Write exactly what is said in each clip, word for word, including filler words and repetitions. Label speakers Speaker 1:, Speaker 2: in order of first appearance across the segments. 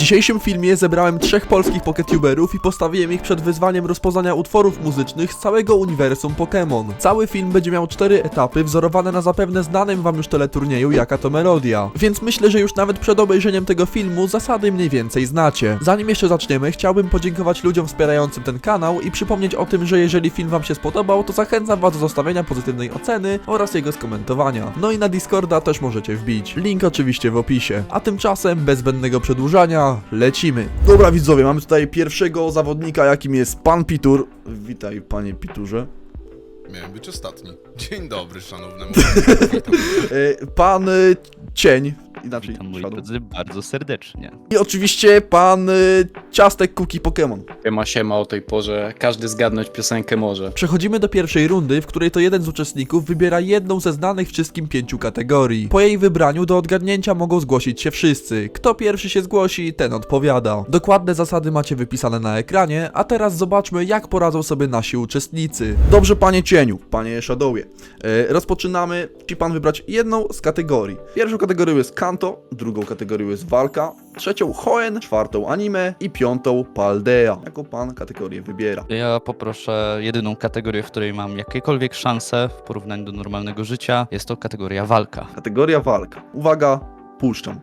Speaker 1: dzisiejszym filmie zebrałem trzech polskich poketuberów i postawiłem ich przed wyzwaniem rozpoznania utworów muzycznych z całego uniwersum Pokémon. Cały film będzie miał cztery etapy wzorowane na zapewne znanym wam już teleturnieju Jaka to Melodia. Więc myślę, że już nawet przed obejrzeniem tego filmu zasady mniej więcej znacie. Zanim jeszcze zaczniemy, chciałbym podziękować ludziom wspierającym ten kanał i przypomnieć o tym, że jeżeli film wam się spodobał, to zachęcam was do zostawienia pozytywnej oceny oraz jego skomentowania. No i na Discorda też możecie wbić. Link oczywiście w opisie. A tymczasem, bez zbędnego przedłużania, lecimy. Dobra widzowie, mamy tutaj pierwszego zawodnika, jakim jest pan Pitur. Witaj, panie Piturze.
Speaker 2: Miałem być ostatni. Dzień dobry, szanownemu.
Speaker 1: E, Pan y, Cień, inaczej
Speaker 3: Witam moi
Speaker 1: Shadow.
Speaker 3: drodzy bardzo serdecznie.
Speaker 1: I oczywiście pan y, Ciastek Kuki Pokémon.
Speaker 4: Siema, siema o tej porze. Każdy zgadnąć piosenkę może.
Speaker 1: Przechodzimy do pierwszej rundy, w której to jeden z uczestników wybiera jedną ze znanych wszystkim pięciu kategorii. Po jej wybraniu do odgadnięcia mogą zgłosić się wszyscy. Kto pierwszy się zgłosi, ten odpowiada. Dokładne zasady macie wypisane na ekranie, a teraz zobaczmy, jak poradzą sobie nasi uczestnicy. Dobrze, panie Cieniu, panie Shadowie. E, rozpoczynamy. Musi pan wybrać jedną z kategorii. Pierwszą kategorią jest Kanto, drugą kategorią jest Walka, trzecią Hoenn, czwartą Anime i piątą Paldea. Jaką pan kategorię wybiera?
Speaker 3: Ja poproszę jedyną kategorię, w której mam jakiekolwiek szanse w porównaniu do normalnego życia. Jest to kategoria walka.
Speaker 1: Kategoria Walka. Uwaga, puszczam.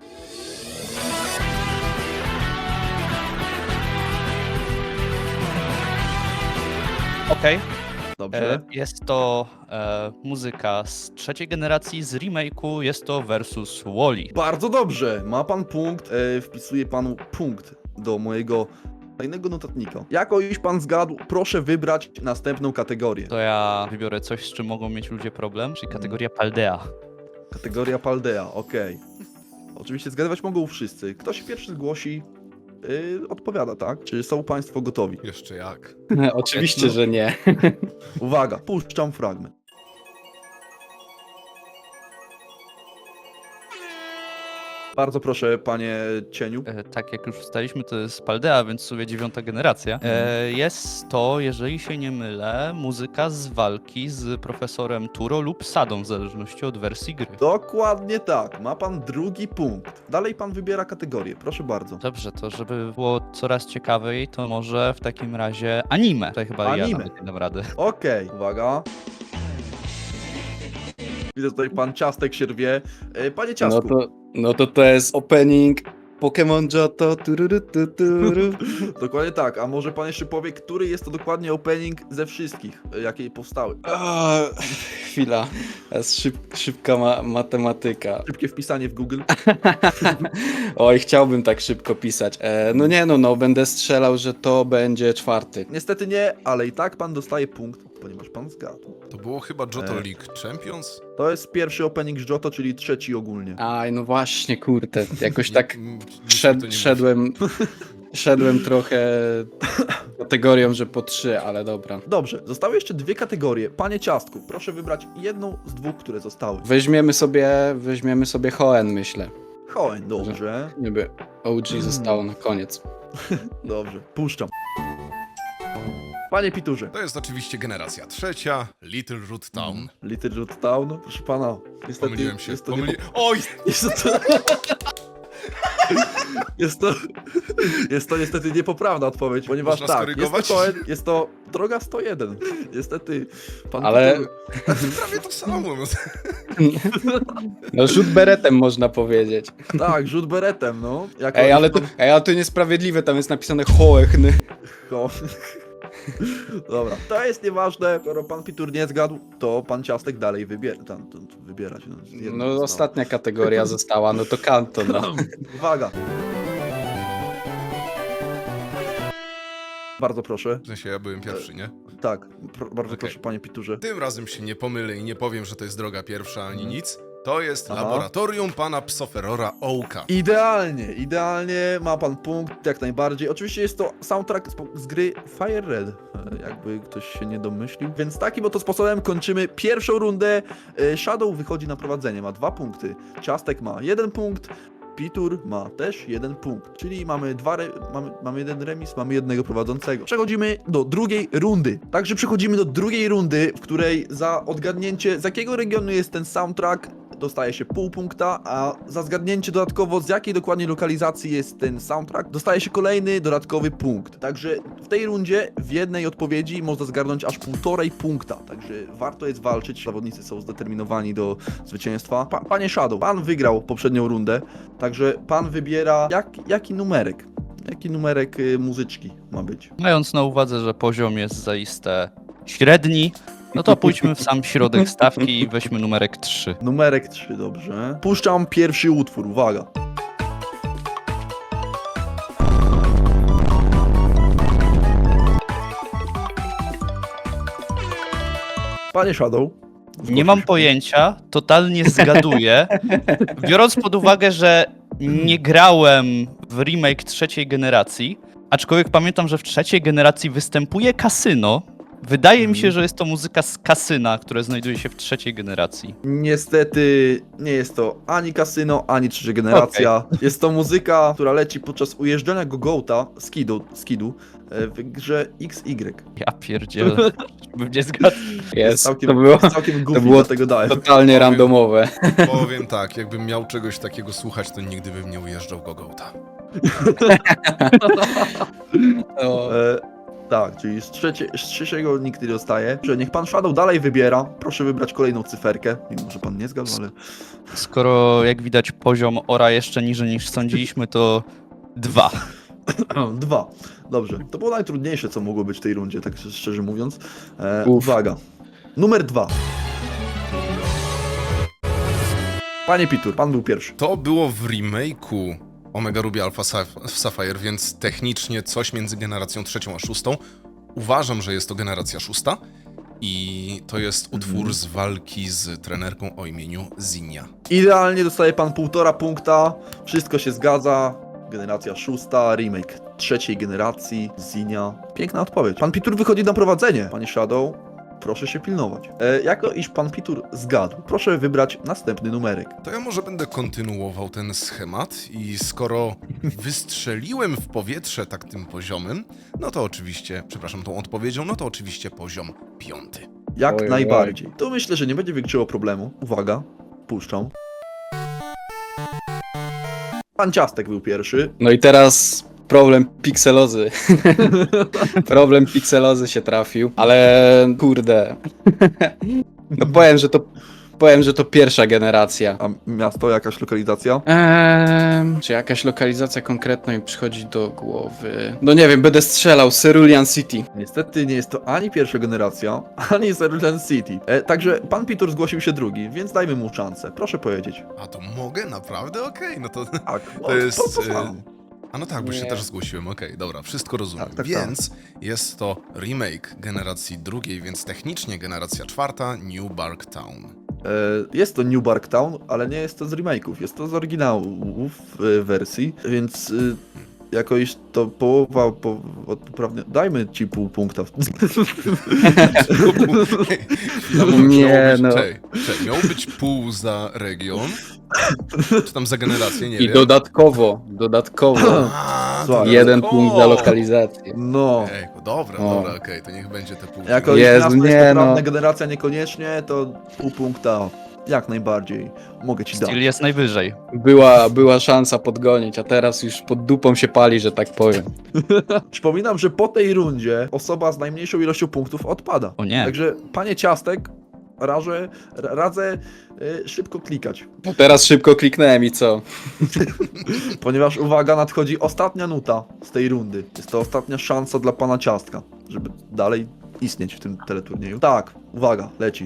Speaker 3: Okej.
Speaker 1: Dobrze.
Speaker 3: E, Jest to e, muzyka z trzeciej generacji, z remake'u. Jest to versus Wall-E.
Speaker 1: Bardzo dobrze. Ma pan punkt. E, wpisuję panu punkt do mojego tajnego notatnika. Jako już pan zgadł, proszę wybrać następną kategorię.
Speaker 3: To ja wybiorę coś, z czym mogą mieć ludzie problem, czyli kategoria Paldea.
Speaker 1: Kategoria Paldea, okej. Oczywiście zgadywać mogą wszyscy. Kto się pierwszy zgłosi, yy, odpowiada, tak? Czy są państwo gotowi?
Speaker 2: Jeszcze jak.
Speaker 4: Oczywiście, że nie.
Speaker 1: Uwaga, puszczam fragment. Bardzo proszę, panie Cieniu.
Speaker 3: E, tak jak już ustaliśmy, to jest Paldea, więc w sumie dziewiąta generacja. E, jest to, jeżeli się nie mylę, muzyka z walki z profesorem Turo lub Sadą, w zależności od wersji gry.
Speaker 1: Dokładnie tak, ma pan drugi punkt. Dalej pan wybiera kategorię, proszę bardzo.
Speaker 3: Dobrze, to żeby było coraz ciekawiej, to może w takim razie anime. Tutaj chyba ja
Speaker 1: Anime.
Speaker 3: nawet nie dam rady.
Speaker 1: Okej, uwaga. Widzę tutaj pan Ciastek się rwie. E, Panie
Speaker 4: No
Speaker 1: Ciastku,
Speaker 4: to, no to to jest opening Pokémon Johto. Tururu, tu, turu.
Speaker 1: dokładnie tak, a może pan jeszcze powie, który jest to dokładnie opening ze wszystkich, e, jakie powstały?
Speaker 4: A, chwila. Teraz szyb, szybka ma, matematyka.
Speaker 1: Szybkie wpisanie w Google.
Speaker 4: Oj, chciałbym tak szybko pisać. E, no nie no, no będę strzelał, że to będzie czwarty.
Speaker 1: Niestety nie, ale i tak pan dostaje punkt, ponieważ pan zgadł.
Speaker 2: To było chyba Johto
Speaker 1: E.
Speaker 2: League Champions?
Speaker 1: To jest pierwszy opening z Johto, czyli trzeci ogólnie.
Speaker 4: Aj, no właśnie, kurde. Jakoś tak
Speaker 2: Nie- m- nic mi to
Speaker 4: szed,
Speaker 2: nie
Speaker 4: szedłem, szedłem trochę kategorią, że po trzy, ale dobra.
Speaker 1: Dobrze, zostały jeszcze dwie kategorie. Panie Ciastku, proszę wybrać jedną z dwóch, które zostały.
Speaker 4: Weźmiemy sobie, weźmiemy sobie Hoenn, myślę.
Speaker 1: Hoenn, dobrze,
Speaker 4: Niby O G zostało na koniec.
Speaker 1: dobrze, puszczam. Panie Piturze.
Speaker 2: To jest oczywiście generacja trzecia, Little Root Town.
Speaker 1: Little Root Town, proszę pana. Niestety
Speaker 2: Pomyliłem się.
Speaker 1: jest to
Speaker 2: Pomyli...
Speaker 1: nie...
Speaker 2: Oj!
Speaker 1: Jest to... Jest to... Jest to niestety niepoprawna odpowiedź, ponieważ
Speaker 2: Można
Speaker 1: tak, jest to
Speaker 2: skorygować?
Speaker 1: Hoenn, jest to droga sto jeden. Niestety, pan
Speaker 4: Ale-
Speaker 1: Pitur...
Speaker 2: Prawie to samo. no.
Speaker 4: No rzut beretem można powiedzieć.
Speaker 1: Tak, rzut beretem, no. Jako
Speaker 4: Ej, ale to, ej, ale to niesprawiedliwe, tam jest napisane Hoechn.
Speaker 1: Ho- Dobra, to jest nieważne, skoro pan Pitur nie zgadł, to pan Ciastek dalej wybiera, tam, tam wybiera się. jedno
Speaker 4: No
Speaker 1: zostało.
Speaker 4: ostatnia kategoria została, no to Kanto, no.
Speaker 1: Uwaga. Bardzo proszę.
Speaker 2: W sensie ja byłem pierwszy, nie?
Speaker 1: Tak, pr bardzo
Speaker 2: Okej.
Speaker 1: proszę panie Piturze.
Speaker 2: Tym razem się nie pomylę i nie powiem, że to jest droga pierwsza ani nic. To jest
Speaker 1: Aha.
Speaker 2: laboratorium pana Psoferora Ołka.
Speaker 1: Idealnie, idealnie, ma pan punkt, jak najbardziej. Oczywiście jest to soundtrack z, z gry Fire Red, e, jakby ktoś się nie domyślił. Więc takim oto sposobem kończymy pierwszą rundę. E, Shadow wychodzi na prowadzenie, ma dwa punkty. Ciastek ma jeden punkt. Pitur ma też jeden punkt, czyli mamy dwa re mamy, mamy jeden remis, mamy jednego prowadzącego. Przechodzimy do drugiej rundy. Także przechodzimy do drugiej rundy, w której za odgadnięcie, z jakiego regionu jest ten soundtrack, dostaje się pół punkta, a za zgadnięcie dodatkowo z jakiej dokładnie lokalizacji jest ten soundtrack, dostaje się kolejny dodatkowy punkt. Także w tej rundzie w jednej odpowiedzi można zgarnąć aż półtorej punkta, także warto jest walczyć, zawodnicy są zdeterminowani do zwycięstwa. Pa, panie Shadow, pan wygrał poprzednią rundę, także pan wybiera jak, jaki numerek, jaki numerek y, muzyczki ma być.
Speaker 3: Mając na uwadze, że poziom jest zaiste średni, no to pójdźmy w sam środek stawki i weźmy numerek trzy.
Speaker 1: Numerek trzy, dobrze. Puszczam pierwszy utwór, uwaga. Panie Shadow.
Speaker 3: Nie mam pojęcia, totalnie zgaduję. Biorąc pod uwagę, że nie grałem w remake trzeciej generacji, aczkolwiek pamiętam, że w trzeciej generacji występuje kasyno. Wydaje mi się, że jest to muzyka z kasyna, które znajduje się w trzeciej generacji.
Speaker 1: Niestety nie jest to ani kasyno, ani trzecia generacja. Jest to muzyka, która leci podczas ujeżdżania Gogota, skidu, skidu e, w grze X Y.
Speaker 3: Ja pierdzielę, bym nie zgadł.
Speaker 4: Jest,
Speaker 1: Całkiem,
Speaker 4: to było
Speaker 1: całkiem goofy,
Speaker 4: to było
Speaker 1: dlatego dałem.
Speaker 4: totalnie randomowe.
Speaker 2: Powiem tak, jakbym miał czegoś takiego słuchać, to nigdy bym nie ujeżdżał Gogota.
Speaker 4: No.
Speaker 1: E, tak, czyli z, trzecie, z trzeciego nikt nie dostaje. Że niech pan Shadow dalej wybiera. Proszę wybrać kolejną cyferkę. Mimo, że pan nie zgadł, ale...
Speaker 3: Skoro jak widać poziom ora jeszcze niżej niż sądziliśmy, to dwa.
Speaker 1: Dwa. Dobrze. To było najtrudniejsze, co mogło być w tej rundzie, tak szczerze mówiąc. E,
Speaker 4: Uf.
Speaker 1: uwaga. Numer dwa. Panie Pitur, pan był pierwszy.
Speaker 2: To było w remake'u Omega Ruby Alpha Saph- Sapphire, więc technicznie coś między generacją trzecią a szóstą. Uważam, że jest to generacja szósta i to jest utwór
Speaker 1: Mhm.
Speaker 2: z walki z trenerką o imieniu Zinnia.
Speaker 1: Idealnie dostaje pan półtora punkta. Wszystko się zgadza. Generacja szósta, remake trzeciej generacji, Zinia. Piękna odpowiedź. Pan Pitur wychodzi na prowadzenie. Panie Shadow, proszę się pilnować. E, jako iż pan Pitur zgadł, proszę wybrać następny numerek.
Speaker 2: To ja może będę kontynuował ten schemat i skoro wystrzeliłem w powietrze tak tym poziomem, no to oczywiście, przepraszam, tą odpowiedzią, no to oczywiście poziom piąty.
Speaker 1: Jak
Speaker 4: Oj, oj,
Speaker 1: najbardziej. Tu myślę, że nie będzie większego problemu. Uwaga, puszczam. Pan Ciastek był pierwszy.
Speaker 4: No i teraz problem pikselozy. Problem pikselozy się trafił, ale kurde. No powiem, że to powiem, że to pierwsza generacja.
Speaker 1: A miasto, jakaś lokalizacja?
Speaker 4: Eee, czy jakaś lokalizacja konkretna mi przychodzi do głowy? No nie wiem, będę strzelał. Cerulean City.
Speaker 1: Niestety nie jest to ani pierwsza generacja, ani Cerulean City. E, także pan Pitur zgłosił się drugi, więc dajmy mu szansę. Proszę powiedzieć.
Speaker 2: A to mogę? Naprawdę? Okej, no to...
Speaker 1: Tak,
Speaker 2: To jest...
Speaker 1: To, to
Speaker 2: e,
Speaker 1: samo.
Speaker 2: A no tak, bo się
Speaker 4: Nie.
Speaker 2: też zgłosiłem, okej, dobra, wszystko rozumiem.
Speaker 1: Tak, tak,
Speaker 2: więc jest to remake generacji drugiej, więc technicznie generacja czwarta, New Bark Town.
Speaker 1: E, jest to New Bark Town, ale nie jest to z remake'ów, jest to z oryginałów e, wersji, więc e, jako iż to połowa po, od poprawnie... Dajmy ci pół punkta.
Speaker 2: Chwila, bo
Speaker 4: Nie,
Speaker 2: miało być,
Speaker 4: no.
Speaker 2: czekaj, czekaj, miało być pół za region, czy tam za generację, nie
Speaker 4: I
Speaker 2: wiem.
Speaker 4: dodatkowo, dodatkowo
Speaker 2: A,
Speaker 1: Słuchaj,
Speaker 4: jeden
Speaker 2: o!
Speaker 4: punkt za lokalizację.
Speaker 1: No,
Speaker 2: Ejku, dobra,
Speaker 4: O.
Speaker 2: dobra, okej, to niech będzie te pół.
Speaker 1: jako iż
Speaker 4: Jezu,
Speaker 1: miasto
Speaker 4: nie,
Speaker 1: jest poprawne,
Speaker 4: no.
Speaker 1: generacja niekoniecznie, to pół punkta jak najbardziej mogę ci dać.
Speaker 3: Styl jest najwyżej.
Speaker 4: Była, była szansa podgonić, a teraz już pod dupą się pali, że tak powiem.
Speaker 1: Przypominam, że po tej rundzie osoba z najmniejszą ilością punktów odpada.
Speaker 3: O nie.
Speaker 1: Także, panie Ciastek, rażę, ra- radzę y, szybko klikać,
Speaker 4: No teraz szybko kliknąłem i co?
Speaker 1: ponieważ, uwaga, nadchodzi ostatnia nuta z tej rundy. Jest to ostatnia szansa dla pana Ciastka, żeby dalej istnieć w tym teleturnieju. Tak, uwaga, leci.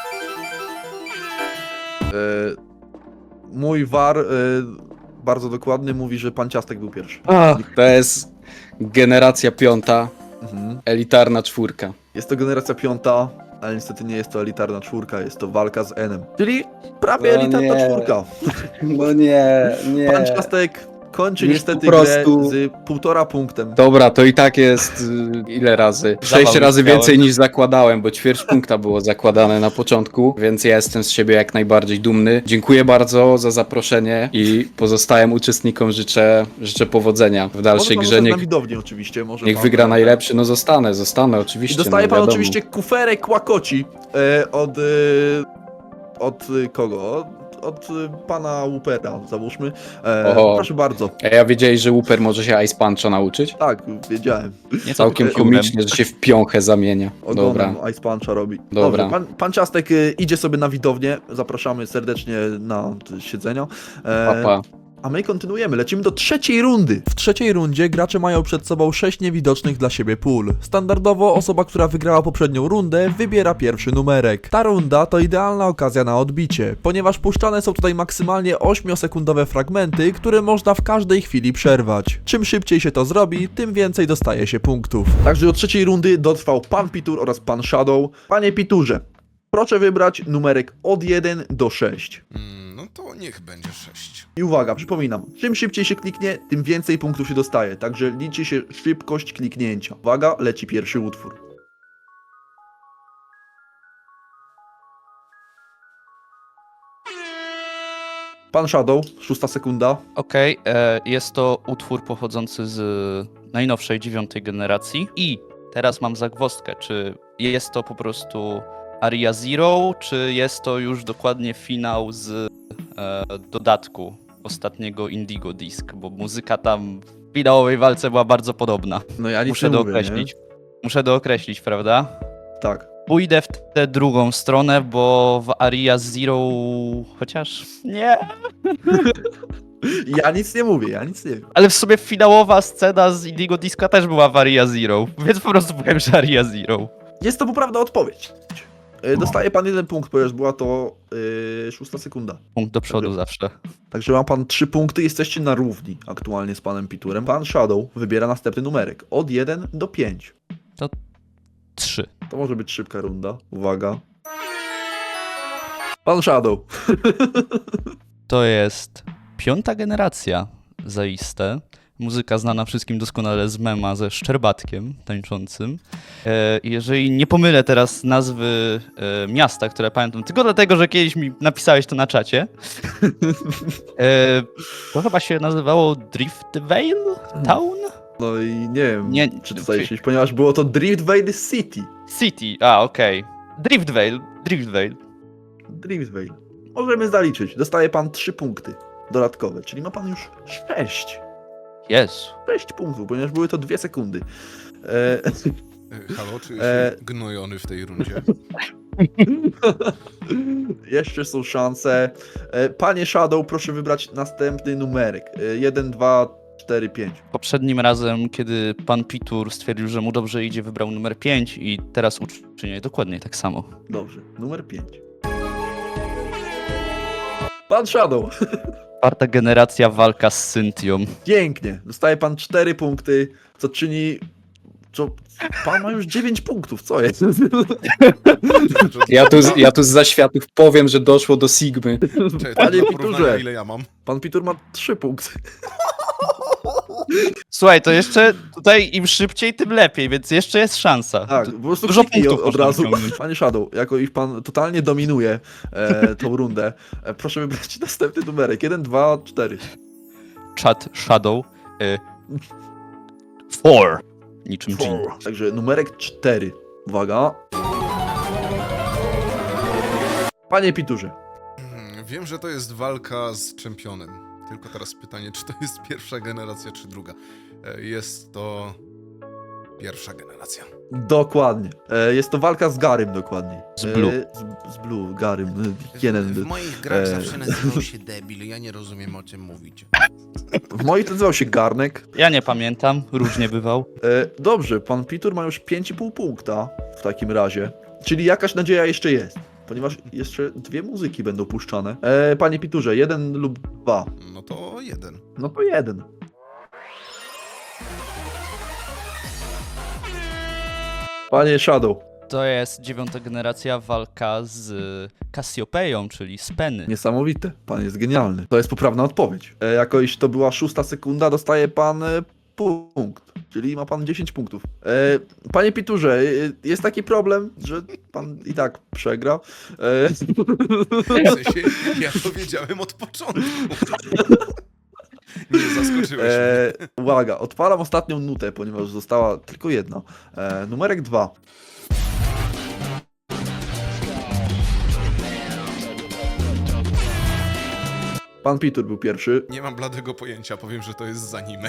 Speaker 1: Y, mój war y, bardzo dokładny mówi, że pan Ciastek był pierwszy.
Speaker 4: To jest generacja piąta,
Speaker 1: Mhm.
Speaker 4: elitarna czwórka.
Speaker 1: Jest to generacja piąta, ale niestety nie jest to elitarna czwórka, jest to walka z Enem. Czyli prawie
Speaker 4: No
Speaker 1: elitarna
Speaker 4: nie.
Speaker 1: czwórka.
Speaker 4: No nie, nie.
Speaker 1: Pan Ciastek kończy
Speaker 4: Już
Speaker 1: niestety
Speaker 4: po prostu-
Speaker 1: grę z półtora punktem.
Speaker 4: Dobra, to i tak jest y, ile razy? Sześć
Speaker 3: Zawał
Speaker 4: razy
Speaker 3: miałem.
Speaker 4: więcej niż zakładałem, bo ćwierć punkta było zakładane na początku, więc ja jestem z siebie jak najbardziej dumny. Dziękuję bardzo za zaproszenie i pozostałym uczestnikom życzę, życzę powodzenia w dalszej
Speaker 1: Może pan
Speaker 4: grze.
Speaker 1: zostać
Speaker 4: Niech,
Speaker 1: na widowni oczywiście. Może
Speaker 4: niech
Speaker 1: pan,
Speaker 4: wygra
Speaker 1: e,
Speaker 4: najlepszy, no zostanę, zostanę
Speaker 1: I
Speaker 4: oczywiście.
Speaker 1: dostaje
Speaker 4: no,
Speaker 1: pan
Speaker 4: wiadomo.
Speaker 1: oczywiście kuferek łakoci e, od... E, od e, kogo? Od, od y, pana Woopera, załóżmy. E,
Speaker 4: Oho.
Speaker 1: proszę bardzo.
Speaker 4: A ja wiedziałeś, że Wooper może się Ice Puncha nauczyć?
Speaker 1: Tak, wiedziałem.
Speaker 3: Nie
Speaker 4: Całkiem
Speaker 3: całkiem
Speaker 4: komicznie, że się w piąchę zamienia. Dobra.
Speaker 1: Ogonem Ice Puncha robi.
Speaker 4: Dobra.
Speaker 1: Dobrze, pan, pan Ciastek y, idzie sobie na widownię. Zapraszamy serdecznie na y, siedzenia. E,
Speaker 4: Papa.
Speaker 1: A my kontynuujemy, lecimy do trzeciej rundy. W trzeciej rundzie gracze mają przed sobą sześć niewidocznych dla siebie pól. Standardowo osoba, która wygrała poprzednią rundę, wybiera pierwszy numerek. Ta runda to idealna okazja na odbicie, ponieważ puszczane są tutaj maksymalnie ośmiosekundowe fragmenty, które można w każdej chwili przerwać. Czym szybciej się to zrobi, tym więcej dostaje się punktów. Także do trzeciej rundy dotrwał pan Pitur oraz pan Shadow. Panie Piturze, proszę wybrać numerek od jeden do sześciu.
Speaker 2: Mm, no to niech będzie sześć.
Speaker 1: I uwaga, przypominam, czym szybciej się kliknie, tym więcej punktów się dostaje, także liczy się szybkość kliknięcia. Uwaga, leci pierwszy utwór. Pan Shadow, szósta sekunda.
Speaker 3: Okej, e, jest to utwór pochodzący z najnowszej dziewiątej generacji. I teraz mam zagwozdkę, czy jest to po prostu Aria Zero, czy jest to już dokładnie finał z e, dodatku ostatniego Indigo Disc, bo muzyka tam w finałowej walce była bardzo podobna.
Speaker 1: No ja nic
Speaker 3: Muszę
Speaker 1: nie mówię,
Speaker 3: dookreślić. Muszę dookreślić, prawda?
Speaker 1: nie? Tak.
Speaker 3: Pójdę w tę drugą stronę, bo w Aria Zero... chociaż... nie.
Speaker 1: Ja nic nie mówię, ja nic nie wiem.
Speaker 3: Ale w sobie finałowa scena z Indigo Disco też była w Aria Zero, więc po prostu powiem, że Aria Zero.
Speaker 1: Jest to poprawna odpowiedź. Y, Dostaje pan jeden punkt, ponieważ była to yy, szósta sekunda.
Speaker 3: Punkt do przodu zawsze.
Speaker 1: Także ma pan trzy punkty, jesteście na równi aktualnie z panem Piturem. Pan Shadow wybiera następny numerek, od jeden do pięciu.
Speaker 3: Trzy.
Speaker 1: To może być szybka runda. Uwaga. Pan Shadow.
Speaker 3: To jest piąta generacja, zaiste. Muzyka znana wszystkim doskonale z mema ze Szczerbatkiem tańczącym. E, jeżeli nie pomylę teraz nazwy e, miasta, które pamiętam, tylko dlatego, że kiedyś mi napisałeś to na czacie, e, to chyba się nazywało Driftvale Town?
Speaker 1: No i nie wiem,
Speaker 3: Nie,
Speaker 1: czy to zajrzeć, ponieważ było to Driftvale City.
Speaker 3: City, a okej. Driftvale, Driftvale.
Speaker 1: Driftvale. Możemy zaliczyć. Dostaje pan trzy punkty dodatkowe, czyli ma pan już sześć.
Speaker 3: Jezu.
Speaker 1: sześć punktów, ponieważ były to dwie sekundy. E,
Speaker 2: E, Halo, czy
Speaker 1: E.
Speaker 2: się gnojony w tej rundzie?
Speaker 1: jeszcze są szanse. E, panie Shadow, proszę wybrać następny numerek. E, jeden, dwa, cztery, pięć.
Speaker 3: Poprzednim razem, kiedy pan Pitur stwierdził, że mu dobrze idzie, wybrał numer pięć i teraz uczynię dokładnie tak samo.
Speaker 1: Dobrze, numer pięć. Pan Shadow.
Speaker 3: Czwarta generacja, walka z Cynthią.
Speaker 1: Pięknie. Dostaje pan cztery punkty, co czyni... Co? Pan ma już dziewięć punktów, co jest?
Speaker 4: Ja tu, z- ja tu z zaświatów powiem, że doszło do Sigmy.
Speaker 2: Czekaj,
Speaker 1: Panie
Speaker 2: to do
Speaker 1: Piturze.
Speaker 2: porównania, ile ja mam?
Speaker 1: Pan Pitur ma trzy punkty.
Speaker 3: Słuchaj, to jeszcze tutaj im szybciej, tym lepiej, więc jeszcze jest szansa.
Speaker 1: Tak, po prostu
Speaker 3: Dużo
Speaker 1: kliknij
Speaker 3: punktów
Speaker 1: od, od
Speaker 3: można
Speaker 1: razu.
Speaker 3: wyciągnąć.
Speaker 1: Panie Shadow, jako iż pan totalnie dominuje e, tą rundę, e, proszę wybrać następny numerek. jeden, dwa, cztery.
Speaker 3: Chat Shadow. Y, four. Niczym Jean.
Speaker 1: Także numerek cztery. Uwaga. Panie Piturze.
Speaker 2: Hmm, Wiem, że to jest walka z czempionem. Tylko teraz pytanie, czy to jest pierwsza generacja, czy druga? E, Jest to pierwsza generacja.
Speaker 1: Dokładnie. E, jest to walka z Garym dokładnie.
Speaker 3: Z Blue.
Speaker 1: E, z, z Blue, Garym. e, Jeden.
Speaker 5: W moich grach
Speaker 1: e,
Speaker 5: zawsze nazywał się debil, ja nie rozumiem o czym mówicie.
Speaker 1: W moich to nazywał się Garnek.
Speaker 3: Ja nie pamiętam, różnie bywał.
Speaker 1: E, dobrze, pan Pitur ma już pięć i pół punkta w takim razie. Czyli jakaś nadzieja jeszcze jest. Ponieważ jeszcze dwie muzyki będą puszczane. E, panie Piturze, jeden lub dwa.
Speaker 2: No to jeden.
Speaker 1: No to jeden. Panie Shadow,
Speaker 3: To jest dziewiąta generacja, walka z Cassiopeią, czyli z Penny.
Speaker 1: niesamowite. Pan jest genialny. To jest poprawna odpowiedź. E, jako iż to była szósta sekunda, dostaje pan e, punkt. Czyli ma pan dziesięć punktów. E, panie Piturze, e, jest taki problem, że pan i tak przegra. E,
Speaker 2: W sensie, ja to wiedziałem od początku. Nie zaskoczyłeś mnie.
Speaker 1: e, uwaga, odpalam ostatnią nutę, ponieważ została tylko jedna. E, numerek dwa. Pan Pitur był pierwszy.
Speaker 2: Nie mam bladego pojęcia, powiem, że to jest z anime.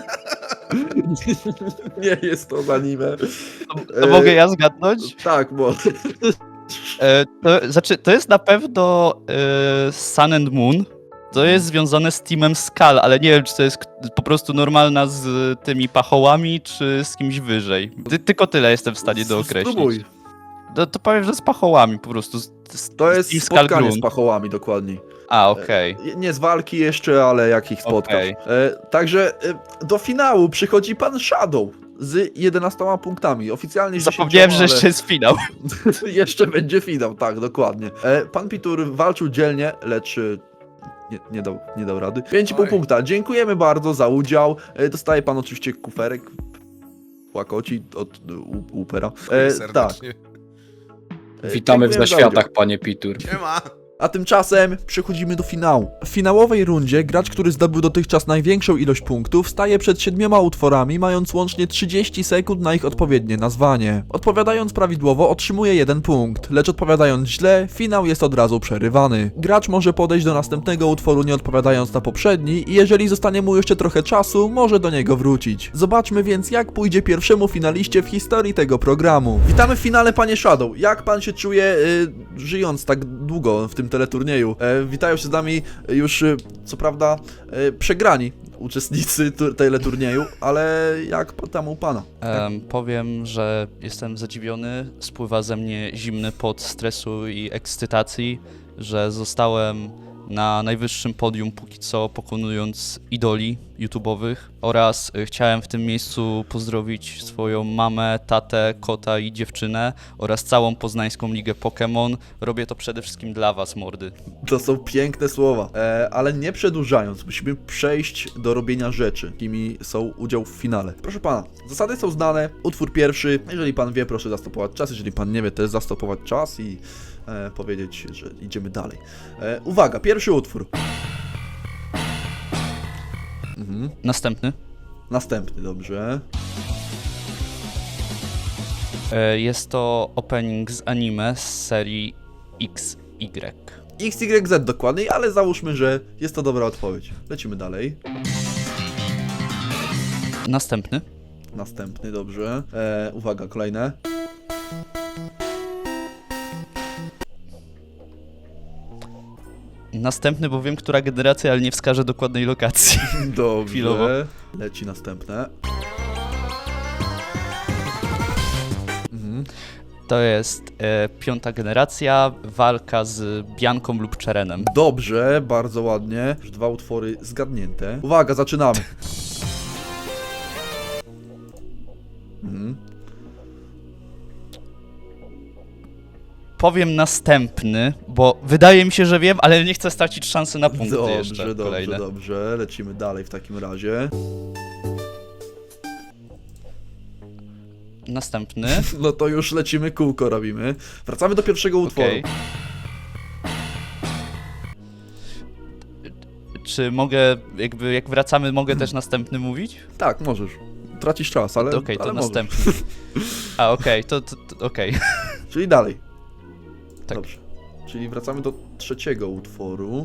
Speaker 1: Nie jest to z anime.
Speaker 3: To mogę ja zgadnąć?
Speaker 1: Tak, bo...
Speaker 3: E, to, znaczy, to jest na pewno e, Sun and Moon. To jest związane z Teamem Skull, ale nie wiem, czy to jest k- po prostu normalna z tymi pachołami, czy z kimś wyżej. Ty, tylko tyle jestem w stanie dookreślić.
Speaker 1: Spróbuj.
Speaker 3: To, to powiem, że z pachołami po prostu. Z, z,
Speaker 1: To jest
Speaker 3: Team Skull
Speaker 1: spotkanie
Speaker 3: Grunt.
Speaker 1: z pachołami, dokładniej.
Speaker 3: A, okej.
Speaker 1: Nie z walki jeszcze, ale jak ich spotkasz.
Speaker 3: Okej.
Speaker 1: E, także e, do finału przychodzi pan Shadow z jedenastoma punktami. Oficjalnie z
Speaker 3: Zapomniałem, że
Speaker 1: dziesięcioma,
Speaker 3: jeszcze jest finał.
Speaker 1: ale jeszcze będzie finał, tak, dokładnie. E, pan Pitur walczył dzielnie, lecz e, nie, nie, dał, nie dał rady. pięć i pół
Speaker 2: Oj.
Speaker 1: punkta. Dziękujemy bardzo za udział. E, dostaje pan oczywiście kuferek. Łakoci od u, Upera. E, tak.
Speaker 2: Serdecznie.
Speaker 1: E,
Speaker 4: Witamy w
Speaker 1: dziękujemy za
Speaker 4: zaświatach,
Speaker 1: udział.
Speaker 4: panie Pitur.
Speaker 2: Nie ma.
Speaker 1: A tymczasem przechodzimy do finału. W finałowej rundzie gracz, który zdobył dotychczas największą ilość punktów, staje przed siedmioma utworami, mając łącznie trzydzieści sekund na ich odpowiednie nazwanie. Odpowiadając prawidłowo otrzymuje jeden punkt, lecz odpowiadając źle, finał jest od razu przerywany. Gracz może podejść do następnego utworu nie odpowiadając na poprzedni i jeżeli zostanie mu jeszcze trochę czasu, może do niego wrócić. Zobaczmy więc jak pójdzie pierwszemu finaliście w historii tego programu. Witamy w finale, panie Shadow. Jak pan się czuje y, żyjąc tak długo w tym teleturnieju? E, witają się z nami już, y, co prawda, y, przegrani uczestnicy tu- teleturnieju, ale jak po- tam u pana?
Speaker 3: Em, powiem, że jestem zadziwiony. Spływa ze mnie zimny pot stresu i ekscytacji, że zostałem na najwyższym podium póki co, pokonując idoli YouTube'owych, oraz y, chciałem w tym miejscu pozdrowić swoją mamę, tatę, kota i dziewczynę oraz całą poznańską ligę Pokémon. Robię to przede wszystkim dla was, mordy.
Speaker 1: To są piękne słowa, e, ale nie przedłużając, musimy przejść do robienia rzeczy, jakimi są udział w finale. Proszę pana, zasady są znane, utwór pierwszy, jeżeli pan wie, proszę zastopować czas, jeżeli pan nie wie, też zastopować czas i e, powiedzieć, że idziemy dalej. E, uwaga, pierwszy utwór. Mhm.
Speaker 3: Następny.
Speaker 1: Następny, dobrze.
Speaker 3: E, Jest to opening z anime z serii X Y.
Speaker 1: X Y Z dokładniej, ale załóżmy, że jest to dobra odpowiedź. Lecimy dalej.
Speaker 3: Następny.
Speaker 1: Następny, dobrze. E, uwaga, kolejne.
Speaker 3: Następny, bo wiem, która generacja, ale nie wskażę dokładnej lokacji.
Speaker 1: Dobrze.
Speaker 3: Chwilowo.
Speaker 1: Leci następne. Mhm.
Speaker 3: To jest e, piąta generacja, walka z Bianką lub Czerenem.
Speaker 1: Dobrze, bardzo ładnie. Już dwa utwory zgadnięte. Uwaga, zaczynamy. Mhm.
Speaker 3: Powiem następny, bo wydaje mi się, że wiem, ale nie chcę stracić szansy na punkty
Speaker 1: Dobrze,
Speaker 3: jeszcze
Speaker 1: dobrze,
Speaker 3: kolejne.
Speaker 1: dobrze. Lecimy dalej w takim razie.
Speaker 3: Następny.
Speaker 1: No to już lecimy, kółko robimy. Wracamy do pierwszego utworu.
Speaker 3: Okej. Czy mogę, jakby jak wracamy, mogę też następny mówić?
Speaker 1: Tak, możesz. Tracisz czas, ale
Speaker 3: Okej, to
Speaker 1: ale możesz.
Speaker 3: następny. A, okej, to, to, to okej.
Speaker 1: Czyli dalej.
Speaker 3: Tak.
Speaker 1: Dobrze. Czyli wracamy do trzeciego utworu.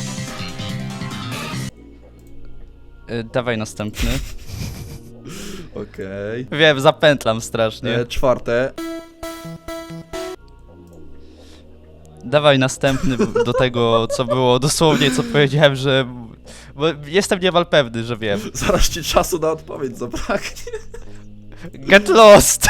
Speaker 3: E, Dawaj następny.
Speaker 1: Okej.
Speaker 3: Wiem, zapętlam strasznie.
Speaker 1: E, czwarte.
Speaker 3: Dawaj następny do tego, co było dosłownie, co powiedziałem, że... Bo jestem niemal pewny, że wiem.
Speaker 1: Zaraz ci czasu na odpowiedź zabraknie.
Speaker 3: Get lost!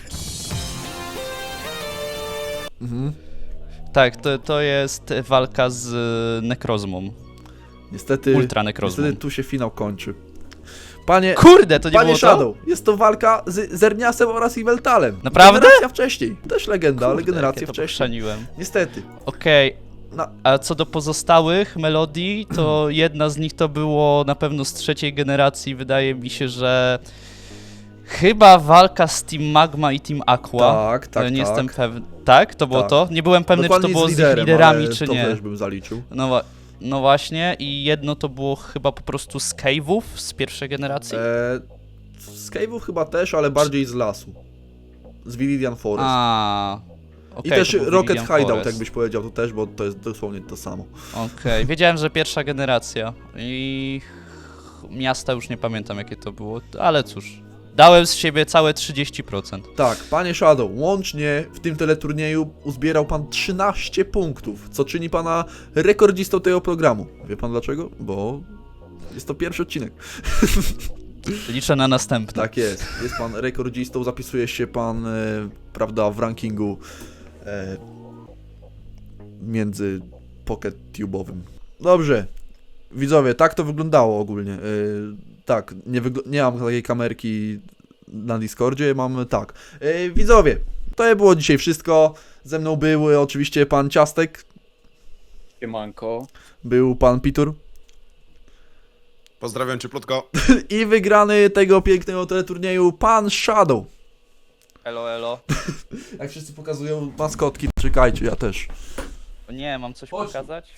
Speaker 1: Mhm.
Speaker 3: Tak, to, to jest walka z Nekrozmą.
Speaker 1: Niestety,
Speaker 3: Ultra Nekrozmą.
Speaker 1: niestety tu się finał kończy. Panie,
Speaker 3: Kurde, to nie
Speaker 1: panie
Speaker 3: było to?
Speaker 1: Shadow, jest to walka z Zerniasem oraz Iweltalem.
Speaker 3: Naprawdę?
Speaker 1: Generacja wcześniej. Też legenda, ale
Speaker 3: Kurde,
Speaker 1: generacja
Speaker 3: jak ja to
Speaker 1: wcześniej.
Speaker 3: pochrzaniłem.
Speaker 1: Niestety.
Speaker 3: Okej,
Speaker 1: Na...
Speaker 3: a co do pozostałych melodii, to jedna z nich to było na pewno z trzeciej generacji. Wydaje mi się, że chyba walka z Team Magma i Team Aqua.
Speaker 1: Tak, tak,
Speaker 3: ale nie
Speaker 1: tak.
Speaker 3: jestem pewny. Tak? To było
Speaker 1: Tak.
Speaker 3: to? Nie byłem pewny,
Speaker 1: Dokładnie
Speaker 3: czy to było z, ich
Speaker 1: liderem,
Speaker 3: liderami,
Speaker 1: ale
Speaker 3: czy
Speaker 1: to
Speaker 3: nie.
Speaker 1: też bym zaliczył.
Speaker 3: No, wa- no właśnie, i jedno to było chyba po prostu z Cave'ów z pierwszej generacji.
Speaker 1: E, z Cave'ów chyba też, ale bardziej z lasu. Z Viridian Forest.
Speaker 3: A, Okej,
Speaker 1: I też
Speaker 3: to był
Speaker 1: Rocket
Speaker 3: Viridian
Speaker 1: Hideout,
Speaker 3: Forest.
Speaker 1: jakbyś powiedział, to też, bo to jest dosłownie to samo.
Speaker 3: Okej, wiedziałem, że pierwsza generacja i miasta już nie pamiętam jakie to było, ale cóż, dałem z siebie całe trzydzieści procent.
Speaker 1: Tak, panie Shadow, łącznie w tym teleturnieju uzbierał pan trzynaście punktów, co czyni pana rekordzistą tego programu. Wie pan dlaczego? Bo jest to pierwszy odcinek.
Speaker 3: Liczę na następny.
Speaker 1: Tak jest, jest pan rekordzistą, zapisuje się pan, e, prawda, w rankingu e, między PocketTube'owym. Dobrze, widzowie, tak to wyglądało ogólnie. E, tak, nie, wygl- nie mam takiej kamerki na Discordzie, mam tak. E, widzowie, to było dzisiaj wszystko. Ze mną był oczywiście pan Ciastek,
Speaker 4: Siemanko.
Speaker 1: był pan Pitur
Speaker 2: Pozdrawiam cieplutko.
Speaker 1: i wygrany tego pięknego teleturnieju pan Shadow.
Speaker 3: Elo, elo.
Speaker 1: Jak wszyscy pokazują maskotki, czekajcie, ja też.
Speaker 3: O nie, mam coś
Speaker 1: Chodź.
Speaker 3: pokazać?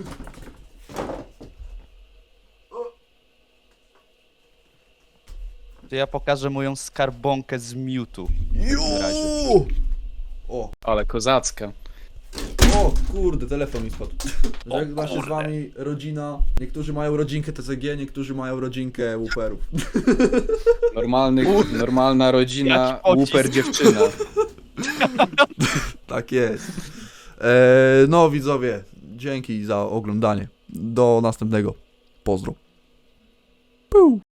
Speaker 3: To ja pokażę moją skarbonkę z Mewtwo.
Speaker 1: Juuu! O,
Speaker 4: Ale kozacka.
Speaker 1: o, kurde, telefon mi spadł. Żegna się z wami rodzina. Niektórzy mają rodzinkę T C G, niektórzy mają rodzinkę łuperów.
Speaker 4: Normalny, normalna rodzina,
Speaker 3: Jaki pocisk.
Speaker 4: łuper dziewczyna.
Speaker 1: Tak jest. Eee, no widzowie, dzięki za oglądanie. Do następnego. Pozdro. Puu.